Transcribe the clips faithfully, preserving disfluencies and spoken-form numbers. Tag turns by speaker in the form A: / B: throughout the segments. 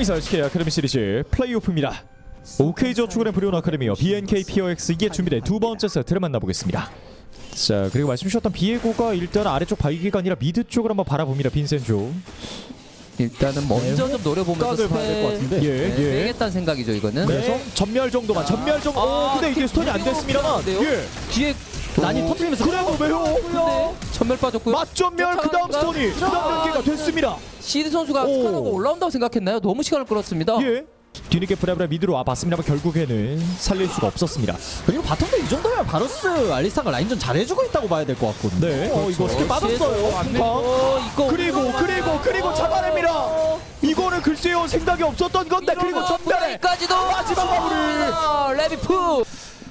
A: 이사 에스케이 아카데미 시리즈 플레이오프입니다. 오케이저축은의 브리온 아카데미와 비엔케이 피오엑스 이게 준비된 두 번째 세트를 만나보겠습니다. 자, 그리고 말씀 주셨던 비에고가 일단 아래쪽 바위기가 아니라 미드 쪽을 한번 바라봅니다. 빈센조.
B: 일단은 먼저 좀 노려보면서
C: 각을 봐야 될 것 같은데.
A: 예,
B: 네,
A: 예.
B: 빼겠다는 생각이죠 이거는.
A: 그래서 전멸 정도만, 전멸 정도. 오, 근데 이게 스톤이 안 됐습니다만. 예.
B: 뒤에
C: 난이 터뜨리면서
A: 그래 왜요?
B: 근데 전멸 빠졌고요.
A: 맞전멸 그 다음 스톤이 그 다음 연계가 됐습니다.
B: 시드 선수가
A: 오.
B: 스카노가 올라온다고 생각했나요? 너무 시간을 끌었습니다.
A: 예. 뒤늦게 브라브라 미드로 와봤습니다만 결국에는 살릴 수가 없었습니다.
C: 그리고 바텀도 이 정도면 바로스 알리스타가 라인전 잘해주고 있다고 봐야 될 것 같거든요.
A: 네.
C: 어, 이거 스킬 빠졌어요.
B: 안
C: 아,
B: 밀고 이거
A: 그리고 그리고 그리고 잡아냅니다. 이거는 글쎄요 생각이 없었던 건데 그리고 전멸에
B: 까지도
A: 마지막 마무리.
B: 레비프.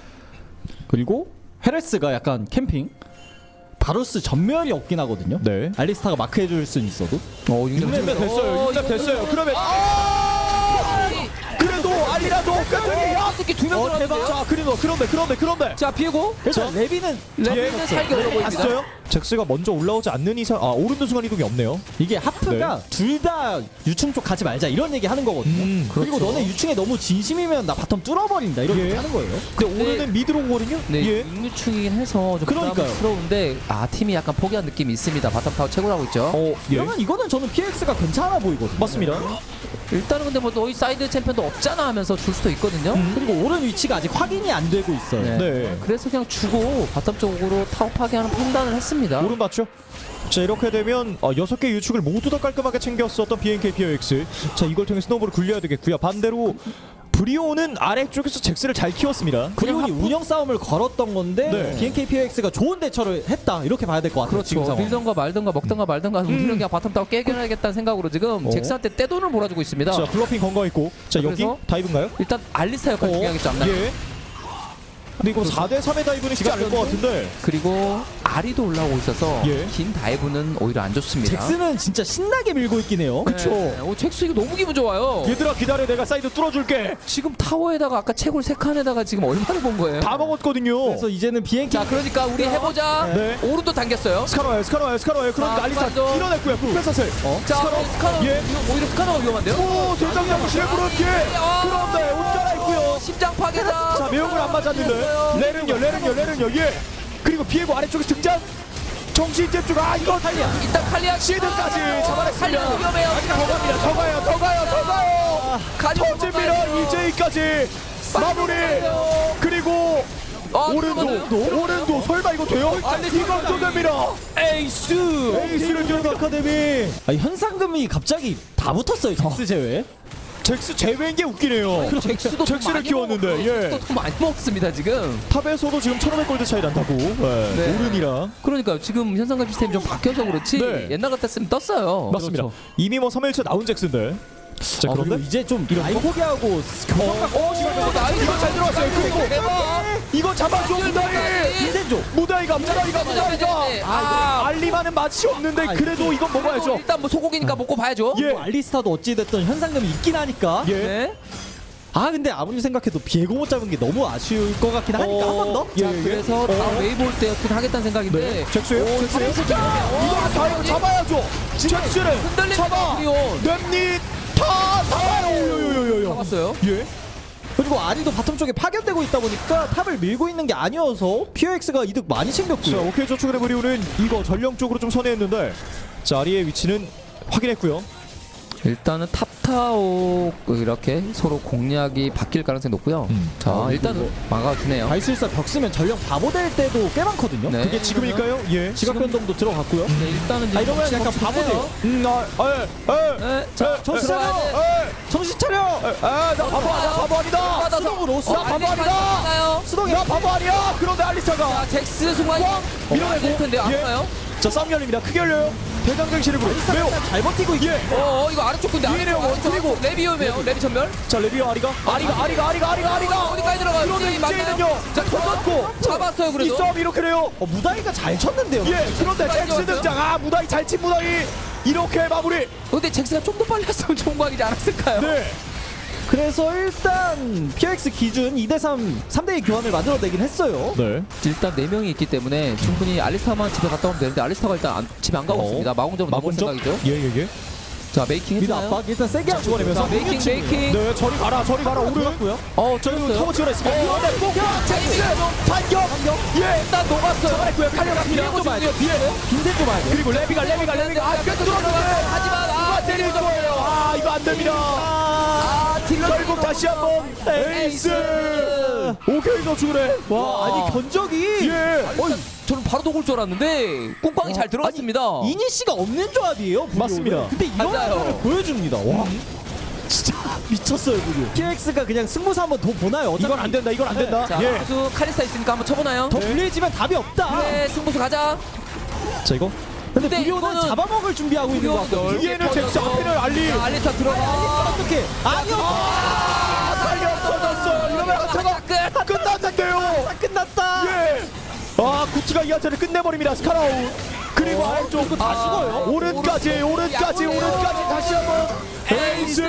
C: 그리고 헤레스가 약간 캠핑. 바로스 전멸이 없긴 하거든요.
A: 네.
C: 알리스타가 마크해줄 수는 있어도.
B: 어,
A: 육 렙 됐어요. 육 렙 됐어요. 그러면 아! 그래도 알리라도 깜짝이야.
B: 야, 새끼 두명
A: 어, 대박.
B: 들어갔는데요.
A: 자, 그리고 그런데 그런데 그런데
B: 자, 비에고.
C: 일단 레비는
B: 레비는 살기 어려 보입니다.
A: 봤어요? 잭스가 먼저 올라오지 않는 이상 아 오른쪽 순간 이동이 없네요.
C: 이게 하프가 둘 다 유충 쪽 가지 말자 이런 얘기 하는 거거든요.
A: 음,
C: 그리고
B: 그렇죠.
C: 너네 유충에 너무 진심이면 나 바텀 뚫어버린다 이런
A: 예.
C: 얘기 하는 거예요.
A: 근데 오늘은 미드로 오거든요.
B: 네,
A: 예.
B: 육류충이긴 해서 좀
C: 그러니까요.
B: 부담스러운데 아 팀이 약간 포기한 느낌이 있습니다. 바텀 타워 최고로 하고 있죠.
A: 어, 예.
C: 그러면 이거는 저는 피엑스가 괜찮아 보이거든요.
A: 맞습니다.
B: 일단은 근데 뭐 너희 사이드 챔피언도 없잖아 하면서 줄 수도 있거든요.
C: 그리고 오른 위치가 아직 확인이 안 되고 있어요.
B: 네.
A: 네.
B: 그래서 그냥 주고 바텀 쪽으로 타워 파괴하는 판단을 했습니다.
A: 오른 봤죠? 자 이렇게 되면 어, 여섯 개 유축을 모두 다 깔끔하게 챙겼었던 비엔케이 피오엑스. 자 이걸 통해 스노우볼을 굴려야 되겠고요. 반대로 브리오는 아래쪽에서 잭스를 잘 키웠습니다.
C: 브리온이 운영 싸움을 걸었던 건데
A: 네.
C: 비엔케이 피오엑스가 좋은 대처를 했다 이렇게 봐야 될 것 같아요. 지금
B: 그렇죠.
C: 상황.
B: 빌던가 말던가 먹던가 말던가 우리는 그냥 바텀 타워 깨겨야겠다는 생각으로 지금
C: 어.
B: 잭스한테 떼돈을 몰아주고 있습니다.
A: 자 블러핑 건거있고. 자 여기
B: 그래서?
A: 다이브인가요?
B: 일단 알리스타 역할 중요하겠죠 앞날.
A: 예. 근데 이거 사 대 삼의 다이브는 쉽지 않을 것 같은데.
B: 그리고 아리도 올라오고 있어서
A: 예.
B: 긴 다이브는 오히려 안 좋습니다.
C: 잭스는 진짜 신나게 밀고 있긴 해요.
A: 그쵸.
B: 네. 오, 잭스 이거 너무 기분 좋아요.
A: 얘들아 기다려 내가 사이드 뚫어줄게.
B: 지금 타워에다가 아까 채굴 세 칸에다가 지금 얼마나 본 거예요?
A: 다 먹었거든요.
C: 그래서 이제는 비엔케이
B: 자 그러니까 우리 해보자.
A: 네.
B: 오른도 당겼어요.
A: 스카노 와요 스카노 와요 스카노 와요. 그러니까
B: 자,
A: 알리스타
B: 스카노.
A: 밀어냈고요. 뺏었어요. 어?
B: 자
A: 스카노.
B: 스카노
A: 예.
B: 이거 오히려 스카노가 위험한데요?
A: 오 대장장 시에브로 피해.
B: 아.
A: 그런데 옷 갈아입고요.
B: 심장 파괴다.
A: 자 매혹을 안 맞았는데 레른요 레른요 레른요 예. 그리고 비에고 아래쪽에서 등장. 정신 집중. 아 이거 탈리아.
B: 일단 칼리아
A: 시드까지 잡아냈습니다.
B: 칼리아 위험해요.
A: 더 갑니다. 더 가요 더 가요 더 가요.
B: 가지고
A: 터집니다. 이제이까지 마무리. 그리고
B: 아,
A: 오른도 오른도 설마 이거 돼요? 이건 또 됩니다.
B: 에이스.
A: 에이스를 주는 아카데미.
C: 아, 현상금이 갑자기 다 붙었어요. 잭스 제외.
A: 잭스 제외인 게 웃기네요.
B: 잭스도
A: 잭스를
B: 많이
A: 키웠는데,
B: 먹었고,
A: 예.
B: 잭스도 더 많이 먹습니다 지금.
A: 탑에서도 지금 천오백 골드 차이 난다고. 네.
B: 네.
A: 오른이랑
B: 그러니까요. 지금 현상금 시스템이 좀 바뀌어서 그렇지
A: 네.
B: 옛날 같았으면 떴어요.
A: 맞습니다.
C: 그렇죠.
A: 이미 뭐 삼 일차 나온 잭스인데. 자
C: 아,
A: 그런데
C: 그리고 이제 좀 라인 포기하고 교정각
A: 어 지금 이거
B: 나이스.
A: 이거 잘 들어왔어요. 그리고
B: 대박.
A: 이거 잡아줘 무다이.
C: 인센조.
A: 무다이가 무다이가 무다이가.
B: 아,
A: 알리만은 맛이 없는데
C: 아,
A: 그래도 이건 먹어야죠.
B: 일단 뭐 소고기니까 먹고 봐야죠.
A: 예.
C: 뭐 알리스타도 어찌됐든 현상금이 있긴 하니까.
A: 예.
B: 네.
C: 아 근데 아무리 생각해도 비에고 못 잡은 게 너무 아쉬울 것 같긴 하니까 한 번 더.
A: 예,
B: 자,
A: 예.
B: 그래서 다음 웨이브 올 때 어떻게 하겠다는 생각인데.
A: 네. 잭스요?
B: 오,
A: 잭스요?
B: 잭스
A: 이거 다이브 잡아야죠. 잭스를
B: 흔들립니다.
A: 잡아.
B: 브리온.
A: 랩니 타 잡아요. 요요요요요.
B: 잡았어요.
A: 예.
C: 그리고 아리도 바텀 쪽에 파견되고 있다 보니까 탑을 밀고 있는 게 아니어서 피오엑스가 이득 많이
A: 자,
C: 챙겼고요.
A: 오케이 저축의 브리오는 이거 전령 쪽으로 좀 선회했는데 자, 아리의 위치는 확인했고요.
B: 일단은 탑타워 이렇게 서로 공략이 바뀔 가능성이 높고요.
A: 음.
B: 자
C: 아,
B: 일단은
C: 그리고
B: 막아주네요.
C: 발술사 벽 쓰면 전령 바보 될 때도 꽤 많거든요.
B: 네.
A: 그게 지금일까요? 예.
C: 지각 변동도 들어갔고요.
B: 네, 일단은
C: 아 이러면
B: 지금
C: 약간 바보 돼요.
B: 해요.
A: 음, 아, 에, 에.
B: 네, 자
C: 정신
B: 들어가야
C: 차려!
B: 돼.
C: 정신 차려!
A: 아, 나 바보 아니야, 바보 아니다.
B: 받아서.
C: 수동으로
B: 어,
C: 수동
A: 바보
B: 알리스타
A: 아니다.
B: 있나요?
C: 수동이
A: 나 바보 아니야. 그런데 알리스타가
B: 자 잭스 순간
A: 꽝!
B: 밀어내고 될 텐데 안
A: 예.
B: 가요?
A: 자, 싸움 열립니다. 크게 열려요. 대장장 시리브로 매우
C: 잘 버티고 있게.
A: 예.
B: 어, 어 이거 아래쪽 근데
A: 위에네요,
B: 아래쪽, 아래쪽,
A: 그리고.
B: 아래쪽. 레비 위험해요. 레비 전멸.
A: 자, 레비오 아리가 아리가 아리가 아리가 아리가 아리가
B: 어디까지 들어가요?
A: 그런데
B: 맞나요?
A: 이제는요.
B: 자 터졌고 잡았어요
A: 이
B: 그래도.
A: 싸움 이렇게 돼요.
C: 어 무다이가 잘 쳤는데요.
A: 예. 그런데
B: 많이
A: 잭스
B: 좋았어요.
A: 등장. 아, 무다이 잘 친 무다이. 이렇게 마무리.
B: 근데 잭스가 좀 더 빨리 했으면 좋은 거 아니지 않았을까요?
A: 네.
C: 그래서 일단 피엑스 기준 이 대 삼, 삼 대 이 교환을 만들어내긴 했어요.
A: 네.
B: 일단 네 명이 있기 때문에 충분히 알리스타만 집에 갔다 오면 되는데 알리스타가 일단 안, 집에 안 가고
A: 어.
B: 있습니다. 마공점으로 넘어올
A: 마공점?
B: 생각이죠.
A: 예, 예, 예.
B: 자 메이킹
C: 미드
B: 해주나요?
C: 압박 일단 세게 하고
A: 집어내면서
B: 자 메이킹 메이킹.
A: 네, 저리 가라, 저리 가라. 오른.
C: 돌았고요.
B: 어
A: 저희
B: 쩔었어요.
A: 터보 지원했습니다.
B: 어,
A: 이번에 꼭
B: 잭스
A: 반격. 예,
B: 일단 녹았어요.
A: 잡아냈고요. 칼려갑니다.
B: 비에고 중이에요. 비에고.
C: 빈센 좀 봐야 돼.
A: 그리고 레비가, 레비가, 레비가. 아, 꽤 들어왔는데.
B: 하지만 아
A: 때릴 거예요. 아, 이거 안 됩니다.
B: 아 딜러
A: 결국 다시 한번 에이스. 오케이, 저축을 해.
C: 와, 아니 견적이
A: 예.
B: 어이, 저는 바로 녹을 줄 알았는데 꾹꽝이 잘 들어갔습니다.
C: 이니시가 없는 조합이에요. 불리오는.
A: 맞습니다.
C: 근데 이런
B: 맞아요.
C: 거를 보여줍니다. 와, 진짜 미쳤어요, 불리오. 피엑스가 그냥 승부수 한번 더 보나요? 어차피
A: 이건 안 된다. 이건 안 된다.
B: 자
A: 예.
B: 선수 카리스타 있으니까 한번 쳐보나요?
C: 더 불리해지면 답이 없다.
B: 그래 승부수 가자.
A: 자, 이거
C: 근데
B: 근데
C: 불리오는
B: 이거는
C: 잡아먹을 준비하고 있는 것 같거든요.
B: 넓게
A: 뒤에는 잭스,
B: 펴져서.
A: 앞에는 알리.
B: 자, 알리타 들어가.
C: 어떻게? 아니요.
A: 아, 빨리 없어졌어. 이러면 한타가
B: 끝.
A: 끝났는데요.
C: 다 끝났다.
A: 예. 아, 구치가 이 한타를 끝내버립니다. 스카라우. 그리고 아래쪽 다
B: 아,
A: 죽어요. 오른까지, 오른까지,
B: 야구예요.
A: 오른까지 다시 한번 에이스.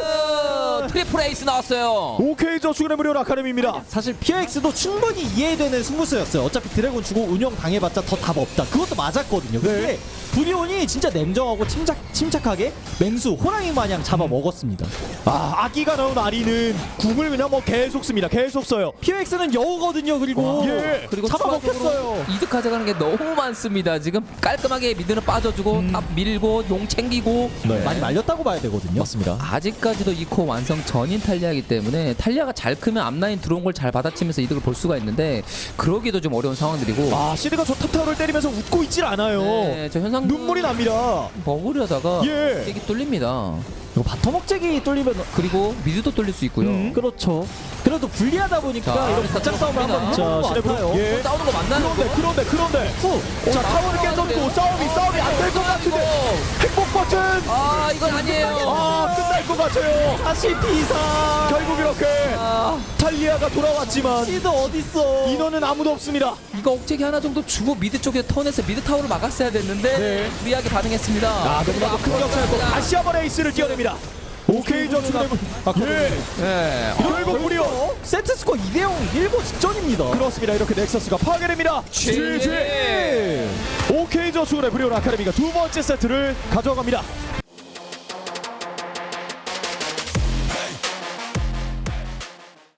B: 트리플 에이스 나왔어요.
A: 오케이, 저축은의 무료 아카데미입니다.
C: 사실 피엑스도 충분히 이해되는 승부수였어요. 어차피 드래곤 주고 운영 당해봤자 더 답 없다. 그것도 맞았거든요. 근데
A: 네.
C: 불리온이 진짜 냉정하고 침착, 침착하게 맹수, 호랑이 마냥 잡아먹었습니다.
A: 아, 아기가 나온 아리는 궁을 그냥 뭐 계속 씁니다. 계속 써요.
C: 피엑스는 여우거든요. 그리고
A: 예.
B: 그리고
C: 잡아먹혔어요.
B: 추가적으로 이득 가져가는 게 너무 많습니다. 지금 깔끔하게 미드는 빠져주고 탑 밀고 용 챙기고
A: 네.
C: 많이 말렸다고 봐야 되거든요.
A: 맞습니다.
B: 아직까지도 이 코 완성 전인 탈리아이기 때문에 탈리아가 잘 크면 앞라인 들어온 걸 잘 받아치면서 이득을 볼 수가 있는데 그러기도 좀 어려운 상황들이고
A: 아, 시드가 저 탑타워를 때리면서 웃고 있질 않아요.
B: 네, 저 현상
A: 눈물이 납니다.
B: 먹으려다가
A: 예.
B: 이게 뚫립니다.
C: 이거 바텀 억제기 뚫리면
B: 그리고 미드도 뚫릴 수 있고요.
A: 음.
C: 그렇죠. 그래도 불리하다 보니까
B: 자,
C: 이런
B: 일단
C: 바짝 싸움을 한번
B: 자,
C: 해보는 것
A: 시내부.
C: 같아요.
A: 예.
B: 어, 싸우는 거 맞나요?
A: 그런데, 그런데, 그런데.
C: 후.
A: 자, 타워를 깨졌고 싸움이, 싸움이 안 될 것 같은데. 행복 버튼.
B: 아 이건 아니에요.
A: 아, 끝날 것 같아요.
C: 다시 비사.
A: 결국 이렇게
B: 아,
A: 탈리아가 돌아왔지만
C: 시드 어딨어?
A: 인원은 아무도 없습니다.
B: 이거 억제기 하나 정도 주고 미드 쪽에 턴해서 미드 타워를 막았어야 됐는데
A: 네.
B: 무리하게 반응했습니다.
A: 아, 너무나도 큰 격차였고 다시 한번 에이스를 뛰어냅니다. 오케이, 저축은의 예.
B: 네.
A: 결국 무려
C: 세트 스코어 이 대 영 일보 직전입니다.
A: 그렇습니다. 이렇게 넥서스가 파괴됩니다.
B: 지지.
A: 오케이, 저축은의 브리온 아카데미가 두 번째 세트를 가져갑니다.